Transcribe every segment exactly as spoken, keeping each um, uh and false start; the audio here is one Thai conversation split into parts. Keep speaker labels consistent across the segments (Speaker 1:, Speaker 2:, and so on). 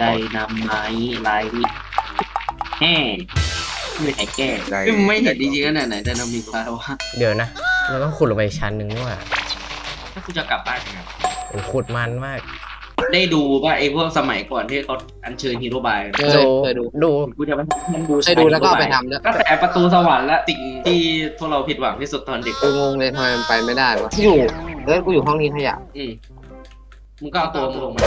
Speaker 1: ไดนาไมต์ไลท์แห่ไม่มีใครแก้
Speaker 2: ได้
Speaker 1: ไม่เห็นจริงๆนะไหนไดนามิกแล้ววะ
Speaker 3: เดี๋ยวนะเราต้องขุดลงไปอีกชั้นหนึ่งนี่หว่า
Speaker 1: ถ้ากูจะกลับบ้านยังไง
Speaker 3: โอ้ขุดมันมาก
Speaker 1: ได้ดูว่าไอ้พวกสมัยก่อนที่เขาอัญเชิญฮีโร่บาย
Speaker 4: เคยเคยดู
Speaker 3: ดู
Speaker 1: กูจะไปมันดู
Speaker 4: เคยดูแล้วก็เอาไปทำด้วย
Speaker 1: ก็แต่ประตูสวรรค์และสิ่งที่พวกเราผิดหวังที่สุดตอนเด็ก
Speaker 4: กูงงเลยทำไมมันไปไม่ได้วะที่อยู่เออกูอยู่ห้องนี้ขยะ
Speaker 1: อืมมึงก็เอาตัวมึงลงมา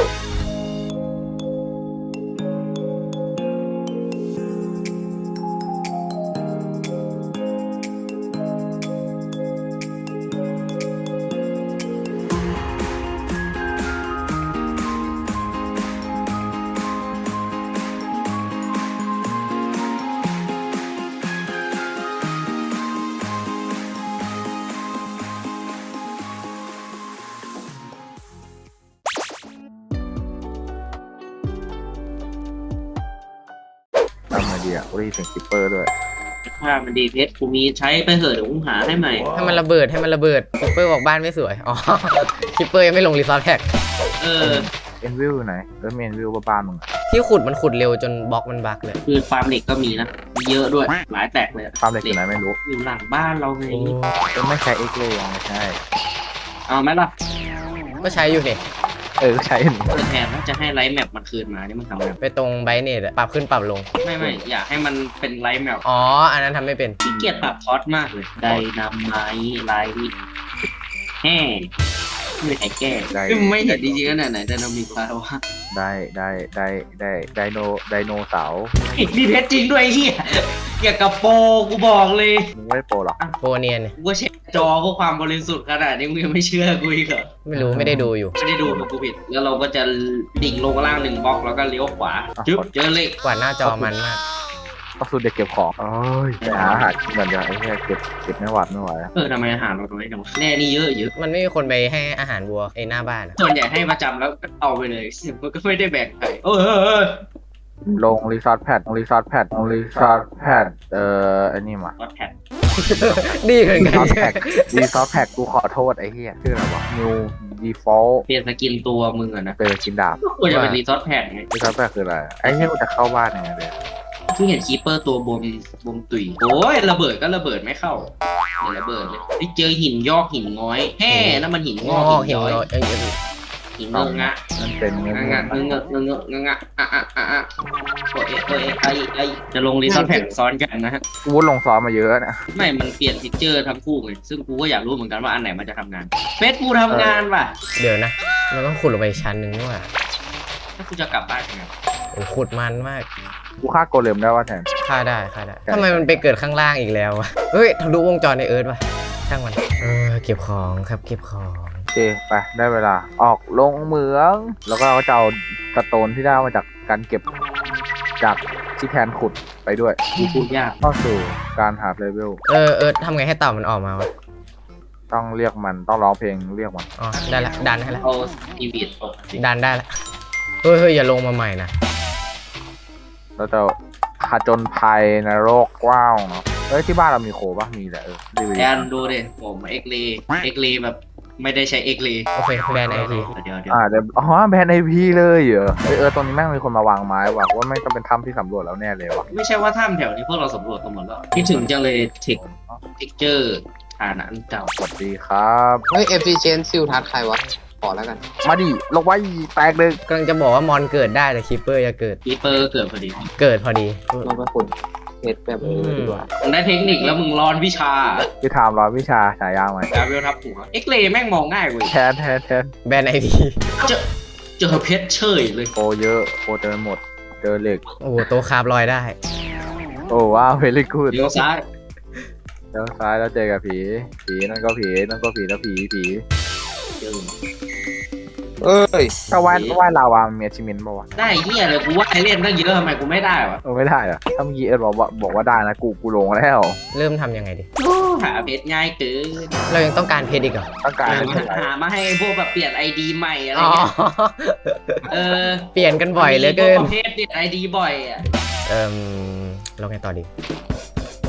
Speaker 2: ทำไงดีอ่ะกูได้ยินเสียงคิปเปอร์ด้วย
Speaker 1: ถ้ามันดีเพชรกูมีใช้ไปเถอะเดี๋ยวกูหาให้ใหม่
Speaker 3: ให้มันระเบิดให้มันระเบิดคิปเปอร์บอกบ้านไม่สวยอ๋อคิปเปอร์ยังไม่ลงรีซอสแท็ก
Speaker 1: เออ
Speaker 2: เอ็นวิวไหนเออเมนวิวบ้านมึงอะ
Speaker 3: ที่ขุดมันขุดเร็วจนบล็อกมันบักเลย
Speaker 1: คือฟาร์มเหล็กก็มีนะมีเยอะด้วยหลายแตกเลย
Speaker 2: ความเหล็กอยู่ไหนไม่รู้
Speaker 1: อยู่หลังบ้านเราไง
Speaker 2: ก็ไม่ใช้เอ็กเลยยังไม่ใช่
Speaker 1: เอาไหมล่ะ
Speaker 3: ก็ใช้อยู่นี่
Speaker 2: เออใช้อันนี้
Speaker 1: เออแทนถ้าจะให้ไลท์แมปมันคืนมานี่มันทำไง
Speaker 3: ไปตรงไบเนตปรับขึ้นปรับลง
Speaker 1: ไม่ไม่อยากให้มันเป็นไลท์แมป
Speaker 3: อ๋ออันนั้นทำไม่เป็น
Speaker 1: ขี้เกียจปรับทอสมากเลยไดนาไมต์ไลท์แห่ไม่มีใครแก้
Speaker 2: ได้
Speaker 1: ไม่เห็นจริงๆนะไหนไดนามิกแล้ววะ
Speaker 2: ได้ได้ได้ได้ไดโนไดโนเสาร์
Speaker 1: มีเพชรจริงด้วยไอ้เฮียเกี่ยวกับโปรกูบอกเลย
Speaker 2: มึงไม่ได้โปรหรอก
Speaker 3: โปเนียนเนี่ย
Speaker 1: กูก็เช็คจอเพื่อความบริสุทธิ์ขนาดนี้มึงยังไม่เชื่อกูอีกเหรอ
Speaker 3: ไม่รู้ไม่ได้ดูอยู่
Speaker 1: ไม่ได้ดูมากูผิดแล้วเราก็จะดิ่งลงล่างหนึ่งบล็อกแล้วก็เลี้ยวขวาจึ๊บเจอเหล็ก
Speaker 3: กว่าดหน้าจอมันมาก
Speaker 2: ก็สุดเด็กเก็บของเอ้ยไปหาอาหารกินก่อนจะไอ้เนี่ยเก็บเก็บไม่หวัดไม่ไหวอะ
Speaker 1: เออทำไมอาหารเราน้อยจังวะแน่นี่เยอะเยอะ
Speaker 3: มันไม่มีคนไปให้อาหารวัวไอ้หน้าบ้านอะ
Speaker 1: ส่วนใหญ่ให้ประจำแล้วก็เอาไปเลยมันก็ไม่ได้แบ่งใครเออเออเออ
Speaker 2: ลงรีซอสแพดลงรีซอสแพดลงรีซอสแพดเอ่อไอ้นี่มา
Speaker 1: วัดแผ่น
Speaker 3: ดีเหมือน
Speaker 2: รี
Speaker 3: กั
Speaker 2: ซอน สแพดรีซอสแพดกูขอโทษไอ้เหี้ยชื่ออะไรวะ New Default
Speaker 1: เปลี่ยนสกินตัวมึงอะนะ
Speaker 2: เจอกินดาบ
Speaker 1: ก็ควรจะเป็นรีซอสแผ่นไง
Speaker 2: รีซอสแพดคืออะไรไอ้เหี้ยกูจะเข้าบ้านยังไงเลย
Speaker 1: ที่เห็นคีเปอร์ตัวบวมบวมตุยโอ้ยระเบิดก็ระเบิดไม่เข้าเดี๋ยวระเบิดเลยที่เจอหินยอกหินง้อยแห่นั่นมันหินง
Speaker 3: ง
Speaker 1: อ
Speaker 3: อก
Speaker 1: หิ
Speaker 3: เห็
Speaker 1: น
Speaker 3: น
Speaker 1: ย้อย
Speaker 3: รอยเอ้ยเอ้ย
Speaker 1: หินเงอะงะ
Speaker 2: มันเป็นเงี้ย
Speaker 1: งะงะเงอะเงอะเงอะเงอะงะอ่ะอ่ะอ่ะอ่ะโอ้ยโอ้ยไอ้ไอ้จะลงรีซอสแผ่นซ้อนกันนะฮะ
Speaker 2: กูวุ้นลงซ้อมมาเยอะนะ
Speaker 1: ไม่มันเปลี่ยนพิกเจอร์ทั้งคู่ไงซึ่งกูก็อยากรู้เหมือนกันว่าอันไหนมันจะทำงานเฟซกูทำงานว่ะ
Speaker 3: เดี๋ยวนะเราต้องขุดลงไปอีกชั้นหนึ่งนี่หว่า
Speaker 1: ถ้ากูจะกลับบ้านยังไง
Speaker 3: โอ้ขุดมันมาก
Speaker 2: กูฆ่าโกเลมได้ว่าแทน
Speaker 3: ฆ่าได้ฆ่าได้
Speaker 2: ใช่
Speaker 3: ทำไมมันไปเกิดข้างล่างอีกแล้ววะเฮ้ยทะลุวงจรในเอิร์ธวะช่างมันเออเก็บของครับเก็บของ
Speaker 2: โอเคไปได้เวลาออกลงเหมือง แล้วก็เราก็จะเอาสโตนที่ได้มาจากการเก็บจากที่แทนขุดไปด้วย
Speaker 1: กูพูดยาก
Speaker 2: เข้าสู่การหาเลเวล
Speaker 3: เออเอิร์ธทำไงให้เต่ามันออกมาวะ
Speaker 2: ต้องเรียกมันต้องร้องเพลงเรียกมัน
Speaker 3: อ๋อได้ละดันให้ละ
Speaker 1: เอาอีวีดออกมาสิ
Speaker 3: ดันได้ละเฮ้ยเฮ้ยอย่าลงมาใหม่นะ
Speaker 2: เราจะผจญภัยในโลกกว้างเนาะเอ้ยที่บ้านเรามีโคปะมีแหละเออดี
Speaker 1: แอนดูดิผมเอ็กเลเอ็กเลแบบไม่ได้ใช้เอ็กเล
Speaker 3: โอเคแบนไอที
Speaker 1: เดี๋ยวเดี๋ยว
Speaker 2: อ่าเดี๋ยวอ๋อแบรนด์ไอพีเลยเหรอเออเออตรงนี้แม่งมีคนมาวางไม้ว่ะว่าไม่งต้องเป็นถ้ำที่สำรวจแล้วแน่เลยวะ
Speaker 1: ไม่ใช่ว่าถ้ำแถวนี้พวกเราสำรวจกันหมดแล้วคิดถึงจังเลยเทคเทคเจอร์ฐานอันเก่า
Speaker 2: สวัสดีครับ
Speaker 4: เฮ้ยเอฟซีเชนซิลทัดใครวะขอแล้วกัน
Speaker 2: มาดิลงไว้แตกเลย
Speaker 3: กำลังจะบอกว่ามอนเกิดได้แต่คิปเปอร์จะเกิด
Speaker 1: คีเปอร์เกิดพอดี
Speaker 3: เกิดพอดี
Speaker 4: ลงไปขุดเพชรแบบเออดีกว่า
Speaker 1: มึงได้เทคนิคแล้วมึงร้อนวิชา
Speaker 2: พี่ถามร้อยวิชาฉายาไหม
Speaker 1: ดาเวลทับหัวเอ็กเลแม่งมองง่ายเว้ย
Speaker 2: แทนแทนแทน
Speaker 3: แบนไอที
Speaker 1: เจอเจอเพชรเฉยเลย
Speaker 2: โคเยอะโคเจอหมดเจอเหล็ก
Speaker 3: โอ้โหโตะคาบลอยได้
Speaker 2: โอ้ว้าวเวลี่กูด
Speaker 1: เลี้ยวซ้าย
Speaker 2: แล้วซ้ายแล้วเจอกับผีผีนั่นก็ผีนั่นก็ผีแล้วผีผี
Speaker 1: เจอ
Speaker 4: เอ้ย
Speaker 2: ถ้าว่ายว่ายลาวามันมีชิมินป่าวะ
Speaker 1: ได้เฮียเลยกูว่าไอเล่นตั้งเยอะทำไมกูไม่ได้วะ
Speaker 2: เออไม่ได้เหรอถ้าเมื่อกี้เอ็ดบอกว่าบอกว่าได้นะกูกูลงแล้ว
Speaker 3: เริ่มทำยังไงดี
Speaker 1: โอ้หาเพชรง่ายเกิน
Speaker 3: เรายังต้องการเพชรอีกเหรอ
Speaker 2: ต้องการ
Speaker 1: หา
Speaker 2: ให้
Speaker 1: มา
Speaker 2: เท่าไหร่
Speaker 1: หามาให้พวกแบบเปลี่ยนไอดีใหม่อะไร
Speaker 3: อ๋อ
Speaker 1: เงี้ยเออ
Speaker 3: เปลี่ยนกันบ่อยเหลือเกิน
Speaker 1: มีพวประเภทเปลี่ยนไอดีบ่อยอ่ะ
Speaker 3: เอ่มเราไงต่อดี โอ้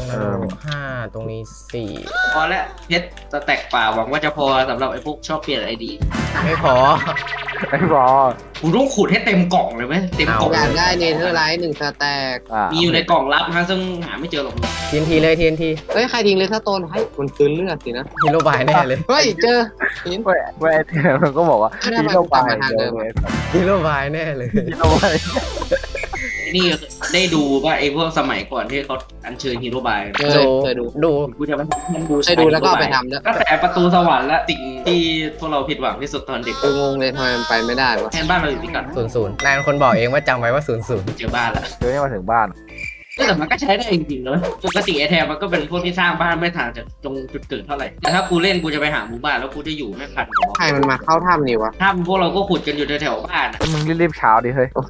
Speaker 3: นรกห้าตรงนี้สี่
Speaker 1: พอแล้วเพชรสแต็กป่าหวังว่าจะพอสำหรับไอ้พวกชอบเปลี่ยนไอดี
Speaker 3: ไม่พอ
Speaker 2: ไอ้บอ
Speaker 1: กูต้องขุดให้เต็มกล่องเลยไหมเต็มกล่อง
Speaker 4: อยากได้เนเธอร์ไลท์หนึ่งสแต็ก
Speaker 2: อ่า
Speaker 1: มีอยู่ในกล่องลับนะซึ่งหาไม่เจอหรอก
Speaker 3: ทีนทีเลยทีนที
Speaker 4: เฮ้ยใครทิ้งเลยถ้าโตนให้มันคืนเลือดสินะ
Speaker 3: ฮีโร่บายแน่เลย
Speaker 4: เฮ้ยเจอหิน
Speaker 2: เว้ยเว้ยเธอมันก็บอกว่า
Speaker 4: ไม่ได้
Speaker 2: ฮีโร่
Speaker 4: กลั
Speaker 2: บา
Speaker 4: บ
Speaker 2: ย
Speaker 4: มาทางเดิม
Speaker 3: ฮีโร่บายแน่เลย
Speaker 2: ฮีโร่บาย
Speaker 1: นี่ได้ดูว่าไอ้พวกสมัยก่อนที่เขาอัญเชิญฮีโร่บาย
Speaker 4: เคยเคยดู
Speaker 3: ดู
Speaker 1: กูจะมาทำดู
Speaker 4: เคยดูแล้วก็เอาไปทำด้วย
Speaker 1: ก็แต่ประตูสวรรค์และสิ่งที่พวกเราผิดหวังที่สุดตอนเด็ก
Speaker 4: กูงงเลยทำไมมันไปไม่ได้วะ
Speaker 1: แทนบ้านเราอยู่ที่กัน
Speaker 3: ศูนย์ศูนย์นายเป็นคนบอกเองว่าจำไว้ว่าศูนย์ศูนย์
Speaker 1: เจอบ้านละ
Speaker 2: เดี๋ยวนี้มาถึงบ้าน
Speaker 1: แต่มันก็ใช้ได้จริงๆเลยปกติไอแทนมันก็เป็นพวกที่สร้างบ้านไม่ทางจากตรงจุดเกิดเท่าไหร่แต่ถ้ากูเล่นกูจะไปหาหมู่บ้านแล้วกูจะอยู่ไม่พันหัว
Speaker 4: ใครมันมาเข้าถ้ำนี่วะ
Speaker 1: ถ้าพวกเราก็ขุดกันอยู่แถวๆบ้านอะ
Speaker 2: มึงรีบๆเช้าดิเฮ้ย
Speaker 4: โอเค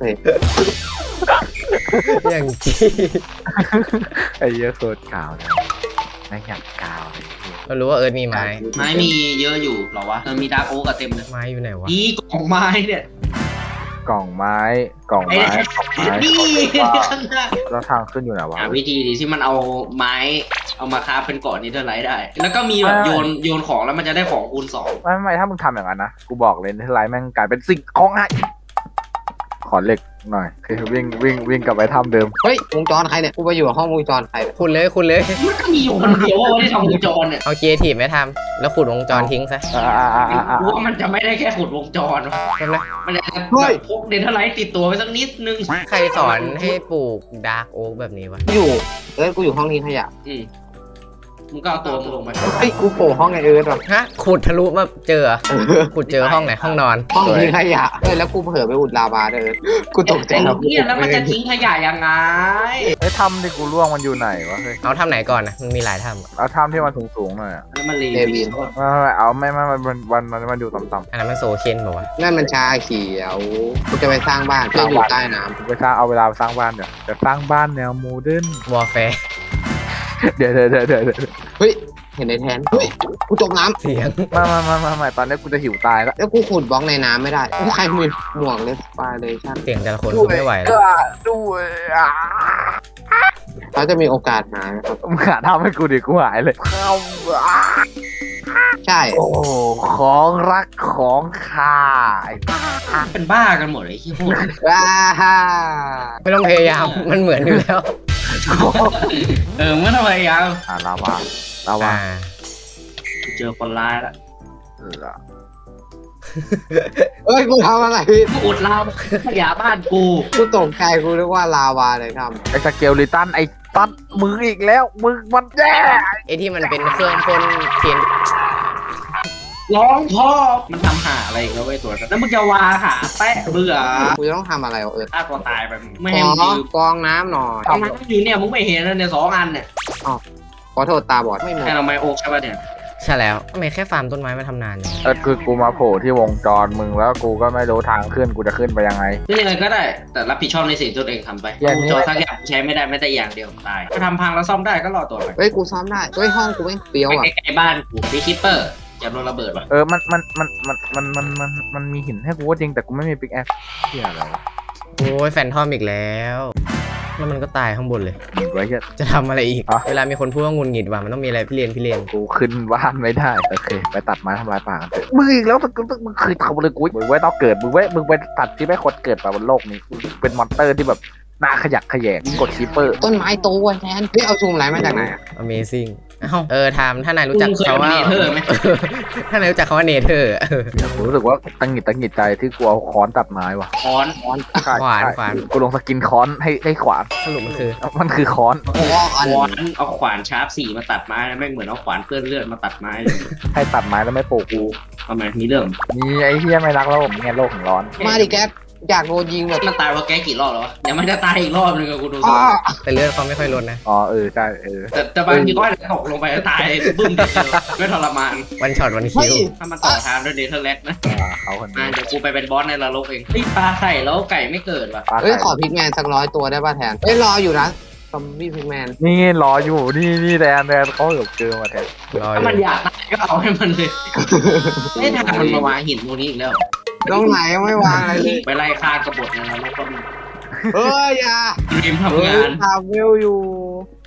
Speaker 3: อย่างจี้
Speaker 2: ไอ้เหี้ยอะโคตรกาวเลยไม่อยากกาวเลย
Speaker 3: เรารู้ว่าเอิร์ธมีไม้
Speaker 1: ไม้มีเยอะอยู่เหรอวะเออมีดาร์กโอ๊กกับเต็มเลย
Speaker 3: ไม้อยู่ไหนวะ
Speaker 1: นี่กล่องไม้เนี่ย
Speaker 2: กล่องไม้กล่อง
Speaker 1: ไอ้
Speaker 2: ไม้
Speaker 1: เนี่ย
Speaker 2: กล่องไม้
Speaker 1: นี่ข้างหน้า
Speaker 2: แล้วทางขึ้นอยู่ไหนวะ
Speaker 1: หาวิธีดีที่มันเอาไม้เอามาคราฟเป็นเกาะนิเทอร์ไลท์ได้ แล้วก็มีแบบ
Speaker 2: ใช่
Speaker 1: โยนโยนของแล้วมันจะได้ของคูณสอง
Speaker 2: ไม่ไม่ถ้ามึงทำอย่างนั้นนะกูบอกเลยเทอร์ไลท์แม่งกลายเป็นสิ่งของหายขอเหล็กหน่อยคือวิ่งวิ่งวิ่งกลับไปถ้ำเดิม
Speaker 4: เฮ้ยวงจรใครเนี่ยกูไปอยู่ห้องวงจรใครเนี่ย
Speaker 3: คุณเลยคุณเลย
Speaker 1: มันก็มีอยู่คนเดียวว่าที่ทำวงจรเนี่ย
Speaker 3: เอาเคียร์ทีไม่ทำแล้วขุดวงจรทิ้งซะ
Speaker 2: อ่าอ่าอ่าอ่าอ่า
Speaker 1: กูว่ามันจะไม่ได้แค่ขุดวงจรวะ
Speaker 3: ใช่ไหม
Speaker 1: มันจะแบบพกเดนเทอร์ไลท์ติดตัวไปสักนิดนึง
Speaker 3: ใครสอนให้ปลูกดาร์กโอ๊กแบบนี้วะ
Speaker 4: กูอยู่เอิร์ธกูอยู่ห้องนี้ขยะ
Speaker 1: อืมมึงก็เอาตัวมึงลงไป
Speaker 4: เฮ้ยกูโผล่ห้องไอเอิร์ธว่ะ
Speaker 3: ฮะขุดทะลุมาเจอเหรอขุดเจอห้องไหนห้องนอน
Speaker 4: ห้องนี้ขยะเฮ้ยแล้วกูเผลอไปอุดลาวาด้วยเอิร์ธกูตกใจ
Speaker 1: ไอ้
Speaker 4: แล้ว
Speaker 1: เนี่ยแล้วมันจะทิ้งขยะยังไง
Speaker 2: ไอ้ถ้ำที่กูล่วงมันอยู่ไหนวะเฮ้ย
Speaker 3: เอาทำไหนก่อนนะมันมีหลายทำอะ
Speaker 2: เอาถ้ำที่มันสูงๆหน่อยอะ
Speaker 1: แล้วมันเล
Speaker 4: เด
Speaker 1: ว
Speaker 4: วิน
Speaker 2: ไม่ไม่ไม่เอาไม่ไม่มันมันมันมันมันอยู่ต่ำ
Speaker 3: อันนั้นมันโซเคนบอกว่าวะ
Speaker 4: นั่นมันชาเขียวกูจะไปสร้างบ้านเพื่ออยู่ใต้น้
Speaker 2: ๆกูไปสร้างเอาเวลาไปสร้างบ้านเดี๋ยวจะสร้างบ้านแนวโมเดิร์น
Speaker 3: วอร์แฟร์
Speaker 2: เดี๋ยวเดี๋ยวเดี๋ยวเดี๋ยวเดี๋ยว
Speaker 4: ำเฮ้ยเห็นในแทนเฮ้ยกูจมน้
Speaker 3: เสียง
Speaker 2: มามามามามาตอนนี้กูจะหิวตายแล้ว
Speaker 4: ำแล้วกูขุดบล็อกในน้ำไม่ได้กูใครมีหมวกเลสปาเลยชั่น
Speaker 3: เสียงแต่ละคนคือไม่ไหวแล้ว
Speaker 2: ด้วยอ่ะ
Speaker 4: เขาจะมีโอกาสหานะครับ
Speaker 2: มึงหาทำให้กูดิกูหายเลยเข้าอ่ะ
Speaker 4: ใช่
Speaker 2: โอ้ของรักของข้าไอ้
Speaker 1: เป็นบ้ากันหมดเลยที่พูด
Speaker 4: ว้าฮ่า
Speaker 3: ไม่ต้องพยายามมันเหมือนอยู่แล้ว
Speaker 1: เออเมื่อทำไมยัง
Speaker 2: อ่าลาวาลาวา
Speaker 3: อ่า
Speaker 1: เจอคนร้ายละ
Speaker 2: เออ
Speaker 4: เอ้ยกูทำอะไรผิด
Speaker 1: กูอุดลาวขยะบ้านกู
Speaker 4: กูตกใจกูนึกว่าลาวาเลยท
Speaker 2: ไอ้สเกลลิตันไอ้ตัดมึงอีกแล้วมึงมันแย่
Speaker 3: ไอที่มันเป็นเครื่องพ่นเทียน
Speaker 1: ร้องพ่อมันทำหาอะไรอีกแล้วไอ้ตัวนั้นแล้วมึงจะวาหาแปะเบื่อ
Speaker 4: ำกูจะต้องทำอะไรวะเออ
Speaker 1: ฆ่าตัวตายไปไม่
Speaker 4: ข
Speaker 1: ให้
Speaker 4: อ
Speaker 1: มึงยืม
Speaker 4: กองน้ำหน่อย
Speaker 1: ทำไมอยู่เนี่ยมึงไม่เห็นเลยเนี่ยสองอันเนี่ย
Speaker 4: ขอโทษตาบอดไม่หมด
Speaker 1: ให้เราไม่โอกใช่ป่ะเนี่ย
Speaker 3: ใช่แล้วทำไมแค่ฟาร์มต้นไม้มาทำนานเนี่ย
Speaker 2: เออคือกูมาโผล่ที่วงจรมึงแล้วกูก็ไม่รู้ทางขึ้นกูจะขึ้นไปยังไง
Speaker 1: นี่ยังไงก็ได้ แต่รับผิดชอบในสิ่งที่ตัวเองทำไป
Speaker 2: อย่างนี้
Speaker 1: จอสักอย่างใช้ไม่ได้แม้แต่อย่างเดียวตายถ้าทำพังแล้วซ่อมได้ก็รอตัวไป
Speaker 4: เฮ้ยกูซ้อมได้เฮ้ยห้องกูไม่เปรี้ยว
Speaker 1: ไป
Speaker 4: อ่ะ
Speaker 1: ใกล้ๆบ้านกูมีคิปเปอร์จะโดนระเบิดว่ะ
Speaker 2: เออมันมันมันมันมันมันมันมันมีหินให้กูก็จริงแต่กูไม่มีปิกแอคเที่ยอะไรวะ
Speaker 3: โอ้ยแฟนทอมอีกแล้วแล้วมันก็ตายข้างบนเลย
Speaker 2: หนีไว้เหี้ย
Speaker 3: จะทำอะไรอีก
Speaker 2: อ่ะ
Speaker 3: เวลามีคนพูดว่าหงุนหงิดว่ะมันต้องมีอะไรพี่เรียนพี่เรียน
Speaker 2: กูขึ้นบ้านไม่ได้โอเคไปตัดไม้ทำลายป่ากันเถอะมึงอีกแล้วมึงมึงมึงเคยทำอะไรกูมึงไว้ต้องเกิดมึงไว้มึงไปตัดที่ไม่ควรเกิดไปบนโลกนี้มึงเป็นมอนเตอร์ที่แบบหน้าขยักขยแยงยิ่งกดคีเปอร์
Speaker 4: ต้นไม้โตวันแทนเฮ้ยเอาชูมไรมาจากไหนอ่ะ
Speaker 3: Amazing เอ้าเออทามถ้านายรู้จัก
Speaker 1: มึงเคย
Speaker 3: เขาว่า
Speaker 1: เนเธอร์ไหม
Speaker 3: ถ้านายรู้จักเขาว่าเนเธอร์เออ
Speaker 2: รู้สึกว่าตังหงิดตังหงิดใจที่กูเอาค้อนตัดไม้ว่ะ
Speaker 1: ค้อน
Speaker 4: ค้อน
Speaker 2: ใช่
Speaker 3: ขวาน
Speaker 2: ใช่
Speaker 3: ขวาน
Speaker 2: กูลงสกินค้อนให้ให้ขวาน
Speaker 3: สรุปมันคือ
Speaker 2: มันคือค้อน
Speaker 4: ค้อน
Speaker 1: ค้อนเอาขวานชาร์ปสี่มาตัดไม้นะแม่งเหมือนเอาขวานเปื้อนเลือดมาตัดไม้เลย
Speaker 2: ให้ตัดไม้แล้วไม่ปลูกกู
Speaker 1: ทำไมมีเรื่อง
Speaker 2: มีไอ้เหี้ยไม่รักโลกไงโลกของร้อน
Speaker 4: มาดิแก๊ปอยากโดนยิงแบบ
Speaker 1: มันตายว่าแกกี่รอบแล้ววะเดี๋ยวมันจะตายอีกรอบนึงอะกูดู
Speaker 4: อ้อ
Speaker 3: แต่เลือดเขาไม่ค่อยลดนะ
Speaker 2: อ๋อเออใช่เออ
Speaker 1: แต่แต่บางทีก็อาจจะตกลงไปแล้วตายบึ้มเดียวไม่ทรมาน
Speaker 3: วันช็อตวันคิ
Speaker 4: เฮ้
Speaker 3: วย
Speaker 1: ถ้ามันต่อทางด้วยเนเธอร์แลนด์นะ
Speaker 2: อ่าเขาคน
Speaker 1: มา
Speaker 2: นี้
Speaker 1: เดี๋ยวกูไปเป็นบอสในนรกเองไอ้ปลาไข่แล้วไก่ไม่เกิดว่ะ
Speaker 2: ปลา
Speaker 4: เฮ้ย
Speaker 2: ไข่
Speaker 4: ขอพิกแมนสักร้อยตัวได้ป่ะแทนเฮ้ยรออยู่นะซอมบี้พิกแมน
Speaker 2: นี่รออยู่นี่นี่แดนแดนเขาเหลือเจอมาแทน
Speaker 3: รออ
Speaker 1: ถ้า
Speaker 3: ยู่
Speaker 1: มันอยากตายก็เอาให้มันเลยไม่ทางมันมาวางหินตรงนี้อีกแล้ว
Speaker 4: ตรงไหนยังไม่วางอะไรเลย
Speaker 1: ไปไล่ฆ่ากบฏในนรกก็มี
Speaker 4: เฮ้ยอย่า
Speaker 1: รีม
Speaker 4: เฮ้
Speaker 1: ทำ
Speaker 4: ย
Speaker 1: งาน
Speaker 4: ทำเวลอยู่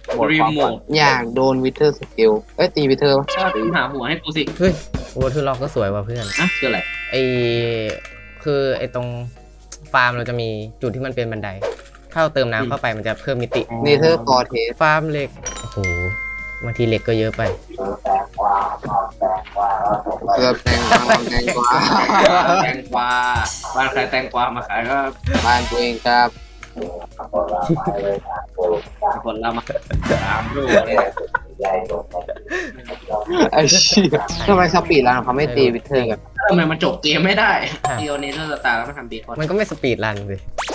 Speaker 2: หมด
Speaker 1: รี
Speaker 2: ความ
Speaker 1: โม
Speaker 2: ฝัน
Speaker 1: ท
Speaker 4: อยากโดนวิเทอร์สกิลเอ้ยตีวิเทอร์ปะ
Speaker 1: หาหัวให้กูสิ
Speaker 3: เฮ้ยโอ้ทุล็อกก็สวยว่ะเพื่อน
Speaker 1: อ่ะคืออะไร
Speaker 3: ไอคือไอตรงฟาร์มเราจะมีจุดที่มันเป็นบันได ถ้าเราเติมน้ำเข้าไปมันจะเพิ่มมิติ
Speaker 4: เนเธอร์คอเทส
Speaker 3: ฟาร์มเหล็ก โอ้โหบางทีเหล็กก็เยอะไป
Speaker 4: เกือบแตงกวาแตงกวา
Speaker 1: แตงกวาบ้านใครแตงกวามาขายก็
Speaker 4: บ้านตัวเองครับ
Speaker 1: คนเรามาตามรูเลยนะ
Speaker 4: ไอ้เชี่ยทำไมสปีดรันเขาไม่ตีวิเทอร์กัน
Speaker 1: ทำไมมันจบเกมไม่ได้เดียวเนเธอร์สตาร์แล้วมาทำเบคอน
Speaker 3: มันก็ไม่สปีดรันสิ